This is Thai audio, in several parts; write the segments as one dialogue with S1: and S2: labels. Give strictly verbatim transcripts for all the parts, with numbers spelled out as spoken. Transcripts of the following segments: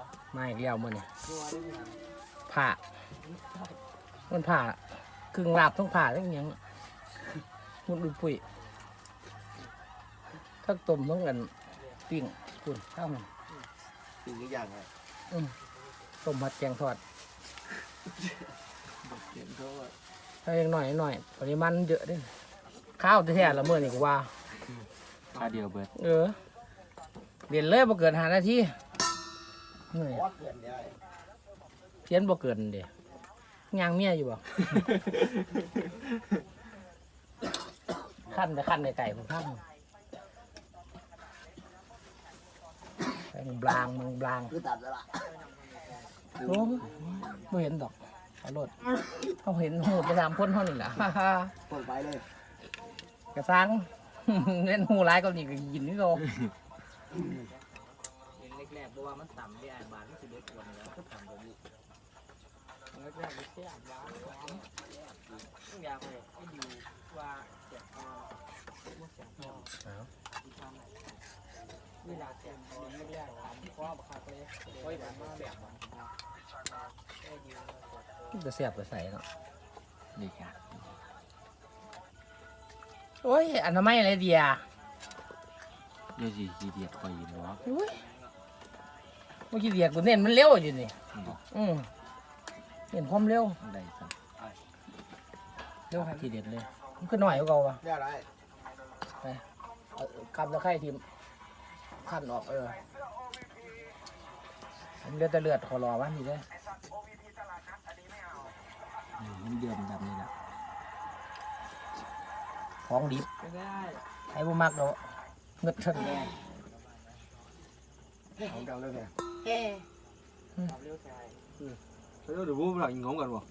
S1: มาอีกแล้วมื้อนี้ผ่ามันผ่าครึ่งลาบทั้งผ่าทั้งหยังมุดอุปุยทั้งต้มทั้งกันปิ้งคุณข้าวมัน
S2: ปิ้งทุกอย่างเลย
S1: อืมต้มผัดแกงทอด
S2: เห็นเขาว่า
S1: ถ้ายังหน่อยหน่อยปริมาณเยอะด้วยข้าวแท้ๆละมื้อนี้ก็ว่า
S3: ข้าวเดียวเบิด
S1: เออเรียนเลยบ่เกินห้านาทีเหนื่อย
S2: วัดเกินได้
S1: เพี้ยนบ่เกินเด้ย่างเมียอยู่บ่ ขั้นแต่ขั้นในไก่ผมขั้นแมงบลางแมงบลาง
S2: คือตัดแล้วล่ะ
S1: โอ้ไม่เห็นดอกขอรถเขาเห็นหูไปสามคนเท่านี้แหละ
S2: เปิดไปเลย
S1: กระซัง เล่นหูร้ายก็นี่ก็ยินนี่ก็แรกๆเพราะว่ามันต่ำที่ไอ้บานมันสิเด็กกว่าแล้วก็ต่ำกว่านี้แรกๆมันแค่บ้านทุกอย่างเลยไอ้ดูว่าเสียงพอว่าเสียงพอเวลาเสียงพอไม่ได้เพราะว่าบักคักเลยโอ้ยแบบมาแบบมันจะเสียบไปใส่เนาะ
S3: นี่ครับ
S1: โอ้ยอันนั้นไม่อะไรเดีย
S3: เดี๋ยวสิขี้เดียดคอยยินวะ
S1: เมื่อกี้เดียกูเน้นมันเร็วอยู่นี่อืมเห็นความเร็ว
S3: ได้สัก
S1: เร็วครับทีเด็ดเลยมันก็หน่อยกว่าเก่าวะ
S2: เรียกอะไร
S1: ไปเอากำตะไคร้ทีมขั้นออกเออมันเลือดแต่เลือดขอรอวะนี่เลย
S3: มันเดือดแบบนี้แหละ
S1: ของดิบไอ้บุมักเนาะเงึดเถิน
S2: ของเก่าเลยเนี่ย
S3: เดี๋ยวพูดหลังงงกันวะ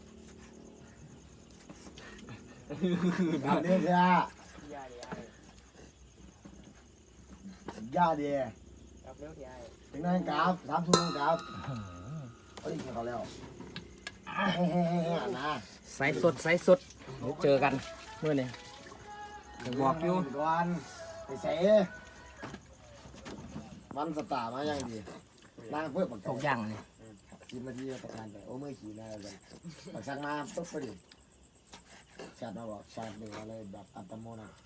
S2: ยาเดียยาเดียถึงนั่นกราฟสามทุ่มกราฟเฮ้ยเขาแล้วเฮ้ยๆๆนะ
S1: ใส่สดใส่สดเดี๋ยวเจอกันเมื่อนี้จะบอกอยู่
S2: วันไปเสวันสตาร์มาอย่างดีนั่งเพื่อปัก
S1: ตกย่างนี่
S2: กินมาทีประการไปโอ้เมื่อขี่ได้เลยปักสักมาปุ๊บไปดิชาติมาบอกชาติหนึ่งอะไรแบบอัตโนมัติ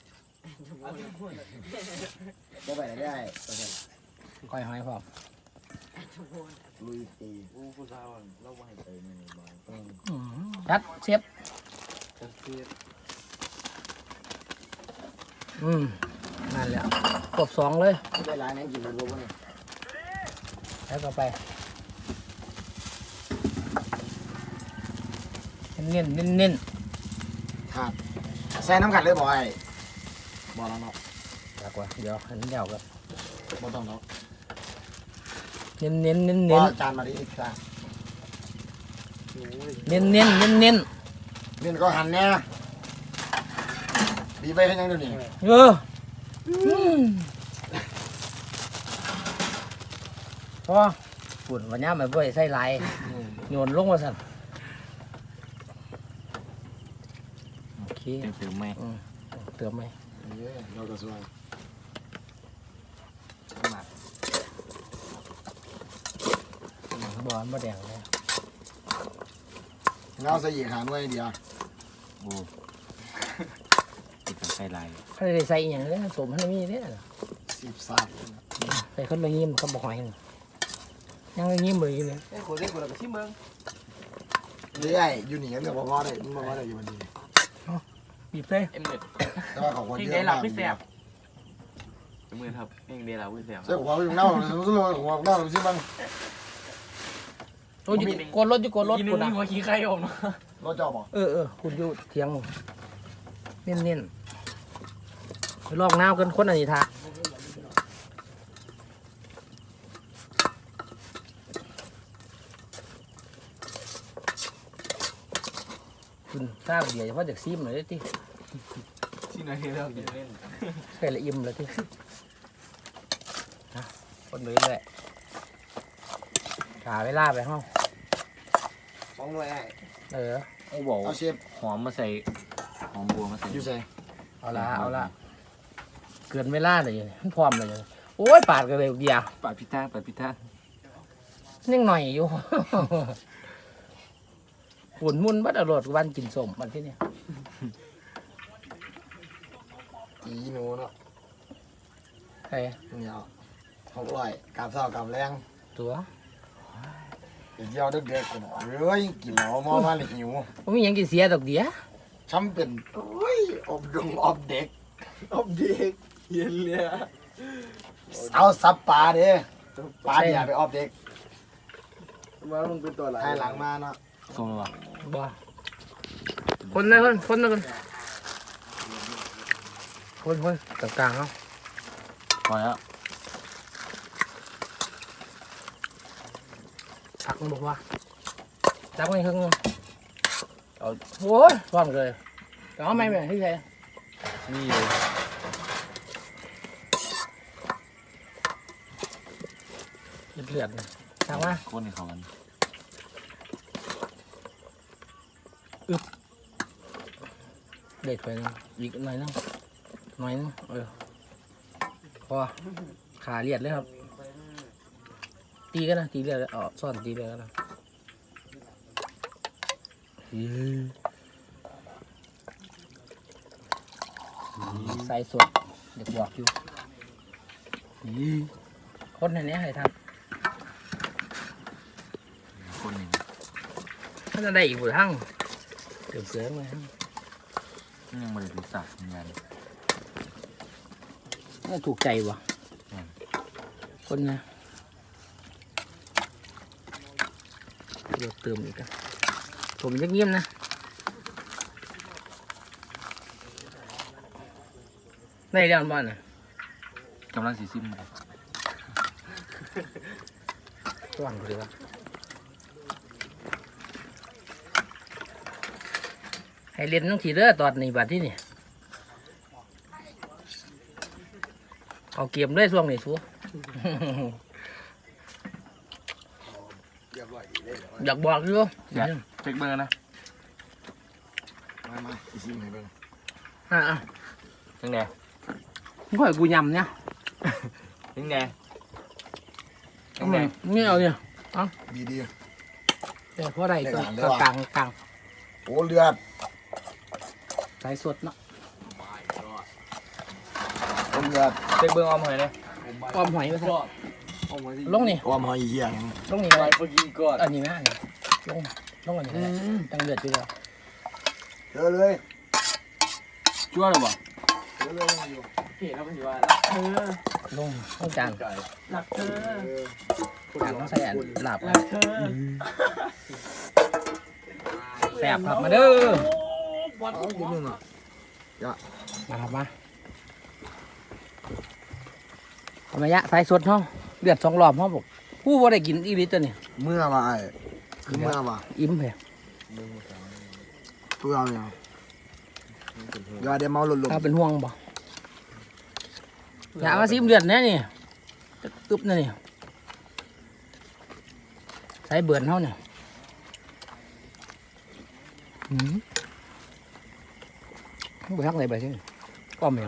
S2: ก็ไปได้
S1: ก้อยหอยพร้อม
S2: ลุยตี
S3: อู้ผู้สาวเราไหวไปในบ้าน
S1: ชัดเชฟ
S3: จะเสีย
S1: อืมนั่นแหละกบสองเลย
S2: ได้หลายนั่งกินมันรู้ป่ะเนี่ย
S1: แล้วก็ไปเน้นเน้นเน้น
S2: ครับใส่น้ำกัดเลยบ่อยบ่แล้วเนาะ
S1: จากว่าเดี๋ยวอันนี้เดี๋ยวกัน
S2: บ่ต้องเนาะ
S1: เน้นเน้นเน้น
S2: บ่
S1: เน้น
S2: จานมาดิอีกครั้ง
S1: เน้นเน้นเน้นเน้น
S2: นี่ก็หันเนี่ยดีไปให้ยังดูนี่
S1: เอออืมพอฝุ่นวันนี้มันบ่อยใส่ลายโยนลงมาสั่นโอเค
S3: เต็มเต็มไหม
S1: อืมเติมไหม
S2: เย้เราก็สวย
S3: มา
S1: บอลบ่แดงเลย
S2: เงาใส่อีกหาหน่วยเดียว
S3: โอ้ติดกับไส้ลาย
S1: ถ้าได้ใส่อหย่างนี้สมให้มีเนี่ย
S2: สิบสาม
S1: ใส่คนละยิ้มเขาบอกหอยยังละยิ้มเลยอยู่เลย
S2: เอ้ยคนเด็กคนละก็ชิมเมืองเรื่อยอยู่นี่เรื่องบ่พอได้มันบ่พอได้อยู่วันนี้
S1: บีบเลย
S3: เอ็มเด็ด
S2: แต่ว่าของคน
S3: ยัง
S2: เย
S3: ได้
S2: อะ
S3: หลั
S2: มา
S3: บ
S2: ก
S3: ไม่แสบมือครับยังได้หลับไม่แสบ
S2: ใช่หัวเป็นเน่าเลยรู้เลยหัวเน่าเลยชิมบ้าง
S1: โอ้ยกดรถอยู่กดรถ
S3: กิน
S1: กู
S3: นึ
S1: นะ
S3: งหัวขี้ไข่อม
S2: รถจอบอก
S1: เออเออคุณอยู่เทียงมึงเน้นเน้นไปลอกน้ำกันคนอันนี้ท่าคุณทราบเดียวเฉพาะจากซิมเลยที่
S3: ที่ไหนเรากินเล่น
S1: ใส่ละอิ่มเลยที่คนไปเลยขาเวลาไปห้อง
S2: สองหน่วยไอ้
S1: เออ
S3: โอ้บอก
S2: เอาเชฟ
S3: หอมมาใส่หอมบัวมาใส่
S2: อยู่ใส่
S1: เอาละเอาละเกินเวลาเลยมันพร้อมเลยโอ้ยปาดกันเลยเดียว
S3: ปาดพิท่าปาดพิท่า
S1: ยังหน่อยอยู่ ปุ่นมุนบัดอรดวันกินสมวันที่นี่
S2: อีหนูเนาะ
S1: ใคร
S2: เนี่ยหกร้อยกาบเศร้ากาบแรง
S1: ตัว
S2: เดี๋ยวเที่ยวเด็กๆกันเฮ้ยกินเหล้ามอมาเลยหิว
S1: ผมมีหยังกินเสียดอกเดีย
S2: ช้ำเป็นโอ้ยอบดงอบเด็ก
S4: อบเด็กเย็นเลย
S2: เอาซับปลาเด้ปลาอย่าไปอบเด็ก
S4: มามึงเป็นตัวอะไร
S2: ให้หลังมาเนาะ
S3: ส้มหรือเปล่า
S1: บ่คนเลยคนคนเลยคนคนคนกลางๆเขา
S3: พอแล้ว
S1: ผักมันบอกว่าจับมันครึ่งนึงเอาโอ้ยพร้อมเลยแต่เอาไม่แม่ที่ใช่
S3: นี่เลย
S1: เลือดๆนะถามว่า
S3: คนในเขากัน
S1: เด็ดไปนึงอีกหน่อยนึงหน่อยนึงเออพอขาเลียดเลยครับ ตีกันนะตีเลียดอ๋อซ่อนตีเลียดกันนะใส่สดเด็กบอกอยู่คนในนี้ให้ท
S3: คนหนึ่ง
S1: ำถ้าจะได้อีกบุทั้งเติมเกลือมาทั้ง
S3: ยังไม่ได้รู้จักเหมือนกัน
S1: น่าถูกใจวะคนนะเดี๋ยวเติมอีกอะผมจะเงียบนะได้แล้วบ้านน่ะ
S3: กำลังสีซิม
S1: ว่างเลยวะให้เรียนต้องขี่เรือตอนนี้บัดที่นี่เอาเกียมด้วยช่วงนี้ชัว
S2: เรียบร้อยดีเลย
S1: อยากบอกอยู่
S3: เช็คเบอร์นะ
S2: มามาอีซิมให้เบิ่ง
S1: อ่า
S3: ยังไง
S1: ค่อยกูยำเนี่ย
S3: ยังไง
S1: เอามาไม่เอาเนี่ย
S2: ดีดี
S1: เดี๋ยวเพราะอะไรตัว
S2: ได้หลานได้หลาน
S1: กลางกลาง
S2: โอ้เลือด
S1: สายสดเนาะ
S2: โอ้เลือด
S3: เช็คเบอร์ออมหน่อยเลย
S1: อ้อมหอยไปซะ
S4: เอามาสิ
S1: ลงนี่
S2: อ้อมหอยเหี้ยยัง
S1: ลงนี่
S4: ไป
S1: เลย
S4: ไปกินก่อน
S1: อันนี้แม่เนี่ยลงลงอันนี้ก็ได้ตั้งเลือดอยู่แล้ว
S2: เจอเลย
S3: ชั่วหรือเปล่า
S2: เจอเลยอยู่
S4: เห็นแล้วมันอยู่ว่ารักเธอ
S1: ลงต้องจาน
S4: รักเธอ
S1: จานต้องใส่อันหลับ
S4: รักเธอ
S1: แสบครับมาเด้อ
S4: วัด
S2: เอากินมึงอ่ะ
S1: มาครับมาเอามายะสายสดเนาะเลือดสองรอบเนาะบอกผู้บ่ได้กินอีลิตตัวนี่
S2: เมื่อมาไอ้คือเมื่อมา
S1: อิ่มเลย
S2: ตัวเอาเนี่ยอย่าเดี๋ยวเมาหลุด
S1: ถ้าเป็นห่วงบ่อยากมาซิมเลือดแน่นี่ตึ๊บๆนี่นี่ใส่เบื่อนเท่าเนี่ยอืมไปทักไหนไปสิป้อมยัง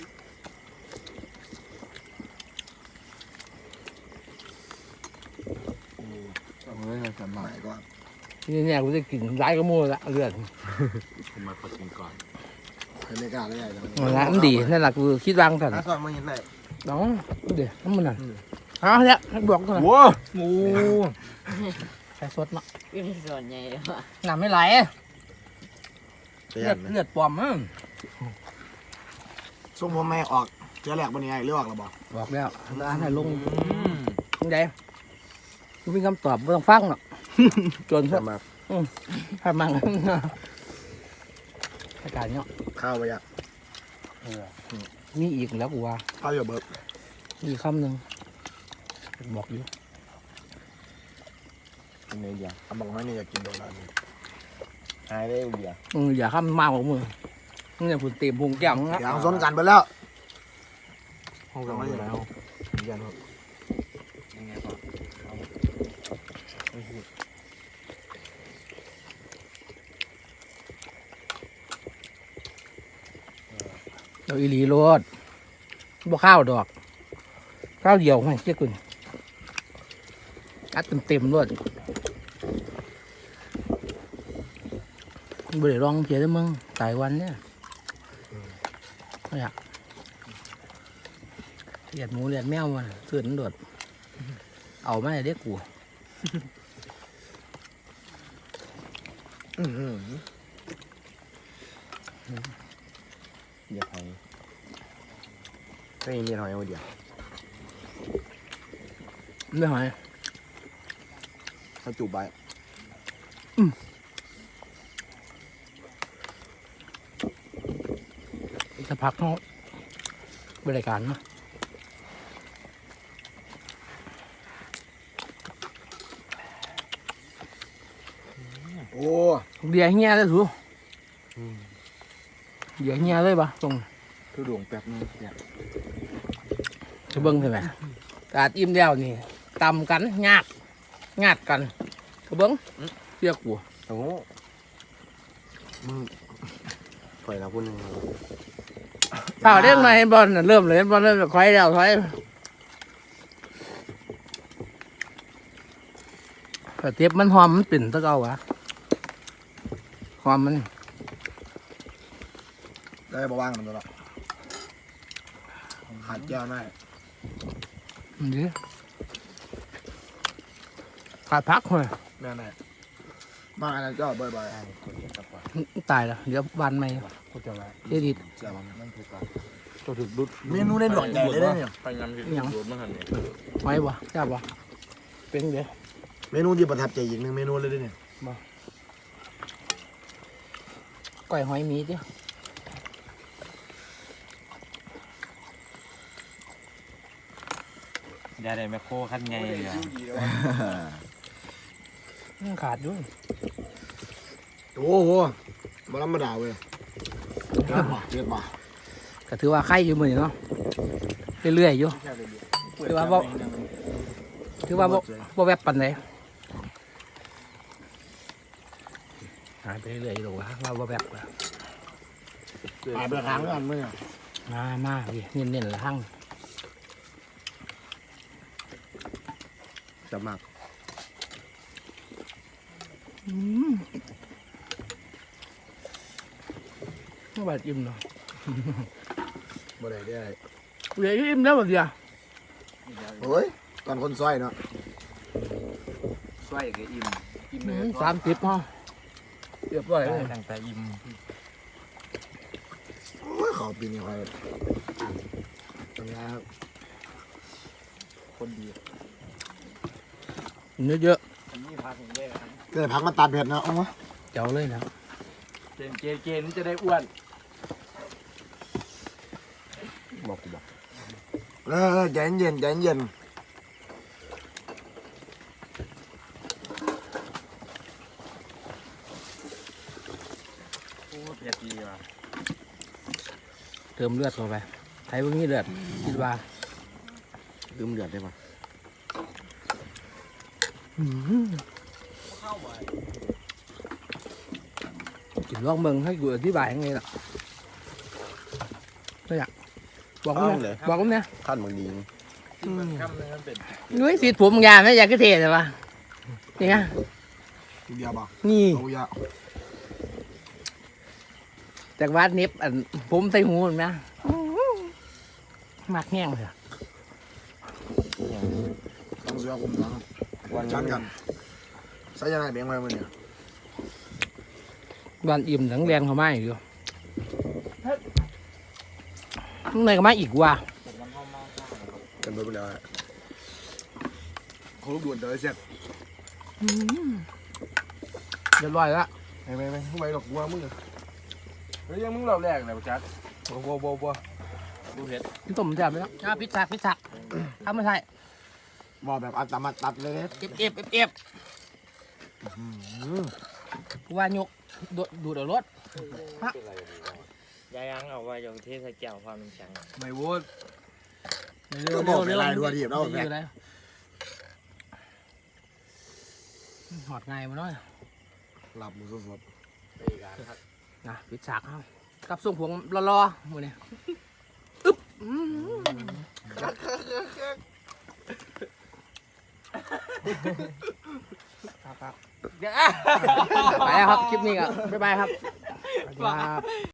S2: เฮ้ยสมัยก่อน
S1: นี่เนี่ยกูจะกินร้ายก็มั่วละเลือด
S3: ผมมาขอกินก่อน
S2: เคยไม่กล้าเลยไอ้
S1: มันละมันดีนั่นแหละกูคิดวางสัน
S2: ถ้าก่อนมาเห็นไหน
S1: น้องเดี๋ยวน้ำมันน่ะเอาเนี่ยให้บอกก่อน
S3: ว้างู
S1: ใส่สดเนาะ
S5: อยู่ในส่วนใหญ่เลยว่ะ
S1: น้ำไม่ไหล
S2: เตือ
S1: เลือด
S2: น
S1: เลือดปลอมมั้ง
S2: ส่งผมแม่ออกเจอแหลกบนนี้ไงเลือกหรอบอก
S1: บอกแล้วร้านให้ลงยังไงกูมีคำตอบไม่ต้องฟังหรอกจนพวก
S2: มา
S1: ทำมังอากาศเนาะ
S2: ข้าวไปอ่ะ
S1: มีอีกแล้วกูว่า
S2: ข้าวอยู่เบิร์
S1: มีคำหนึ่งบอกอยู่
S3: เป็นไงเดียว
S2: ทำบอกให้นี่อยากกินโดนัท
S3: หายได้เดียว
S1: มึงอย่าคำมากของมึงมึงอย่าผุดเต็มพุงแก้วมึงนะ
S2: อย่างสนกันไปแล้ว
S3: ห้องเราไม่แล้วยันยังไงก่อน
S1: เราอีหลีโรดบ่ข้าวดอกข้าวเดียวให้เจ๊กุน
S5: กัดเต็มๆด้วยบ่ได้ลองเพียได้มึงตายวันเนี่ยไม่อยากเลียดหมูเลียดแมวมันเสื่อนโดดเอามาให้เด็กกู
S3: อื้อหืออย่าไปไม่มีหอยเอาเดียว
S5: ไม่หอย
S3: เขาจูบไป
S5: จะพักเขาบริการมา
S2: โอ้
S5: เบียร์เงี้ยเลยสูเบียร์เงี้ยเลยปะตรง
S3: คือดวงแป๊บนึงเนี่ย
S5: จะเบิ้งใช่ไหมกาดอิ่มแล้วนี่ตำกันงาดงาดกันจะเบิ้งเรียกกู
S3: โอ้โหมึงปล่อยเราพูดนึง
S5: เปล่าเรื่องมาเห็นบอลน่ะเริ่มเลยเห็นบอลเริ่มถอยแล้วถอยแต่เทียบมันหอมมันปิ่นตะเกาวะหอมมัน
S2: ได้บ่ว่างมันตัวละหัดแก้วได้
S5: ดีขาดพักเลย
S2: แม่แม่บ้างอะไรก็บ่อย
S5: ตายแล้วเดี๋ยววันใหม่
S3: เขาจะมา
S5: เดี๋ยวดี
S2: ๆเจ้า
S3: นั่นคือการตัวถึกดุด
S2: เมนูในหลวงใหญ่เลยเนี่ย
S3: ไปงานที่ดุดมาหันเนี่ย
S5: ไว้บ่จ้าบ่เป็นเดี๋ยว
S2: เมนูที่ประทับใจอีกหนึ่งเมนูเลยเนี่ย
S5: ก้อยหอยหมีเดี๋ยว
S4: ยาได้แมคโครขั้นไงเลยอ่ะ
S5: ยังขาดด้วย
S2: โอ้โหบธรรมดาเว้ยเรียบมาเรียบมา
S5: ก็ถือว่าไข่อยู่มือนี่เนาะเรื่อยๆอยู่ถือว่าบ่ถือว่าบ่บ่แวบปันไหนหายไปเรื่อยๆอยู่หรอกวะว่าบ่แวบอะ
S2: ตายไปครั้งกันเมื่อ
S5: มามาดิเน้นๆละหั่ง
S3: จะมาก
S5: อืมไม่บาดอิ่มเนาะ
S2: บ่ได้ได้
S5: เหลืออยู่อิ่มแล้วบัดเดียว
S2: โอ้ยตอนคนซอยเนาะ
S4: ช่วยกับอิ่มอิ่มเลย
S5: สามสิบห้อเรียบร้อยเลย
S4: ตั้งแต่อิ่ม
S2: โอ้ยขอปีนี้คอยตรงนี้ครับ
S3: คนดี
S5: เนื้อเยอะ
S1: อันนี้พาถึงได้ครับ
S2: ก็เลยพักมาตัดเผ็ดเนาะเอาวะ
S5: เจ๋วเลยนะ
S1: เกณฑ์เกณฑ์เกณฑ์นี่จะได้อ้วน
S3: บอกกูบอก
S2: เออเออใจเย็นใจเย็น
S1: โอ้เผ็ดดีว่ะ
S5: เติมเลือดเข้าไปไทยพวกนี้เลือดคิดว่า
S3: ลืมเดือดได้ปะ
S1: เข้าไป
S5: กินลองเบิ่งให้กูอธิบายยังไงล่ะไม่อยากบอกกูเนี่ยบอกกูเนี่ย
S3: ท่านมึงดี
S1: ที่มันคำนึงมันเป็น
S5: นุ้ยสีผมยามไม่อยากก็เทแต่ว่านี่ไง
S2: ทีเดียวบ่
S5: นี่
S2: เอาเยอะ
S5: จากวัดเน็บอันผมใส่หูเห็นไหมมากแห้งเลยอะ
S2: ต้องเสือคุมหลัง
S3: วัน
S2: ชันกันใส่ยังไงเบี่ยงไปมันเนี่ย
S5: บ้านอิ่มหลังแรงเขามาอีกอยู่ข้างในก็มาอีกว่ะ
S1: ผมมันเข้ามาข้าว
S2: กันไปไปแล้วเขาลูกด่วนเดี๋ยวเสร็จ
S5: เรียบร้อยละ
S2: ไปไปไปไปหรอกวัวมึง
S1: เฮ้ยยังมึงรอบแรกเลยจัด
S3: บัวบัวบัวบัว
S1: ดูเผ็ด
S5: พี่ต้มแซ่บไหมครับอ่าพิซซ่าพิซซ่าทำไม่ใช่
S2: บอกแบบอัตมาตัดเลย
S5: เอฟเอฟเอฟเอฟว่ายกดูดดูดเอารถ
S1: ยายยังเอาไว้อย่างเทใส่แก้วความน้ำแข็ง
S3: ไม่วุ้น
S2: ก็บอกไปลายด้วยทีเราแบบ
S5: เลยหอดไงมาหน่อย
S2: หลับมือสด
S1: ไปกันครับ
S5: นะพิซซ่าเอากับส่งผงรอๆหมดเนี่ยอึ๊บอืมครับครับเดี๋ยวอ่ะไปแล้วครับคลิปนี้ก็บ๊ายบายครับสวัสดีครับ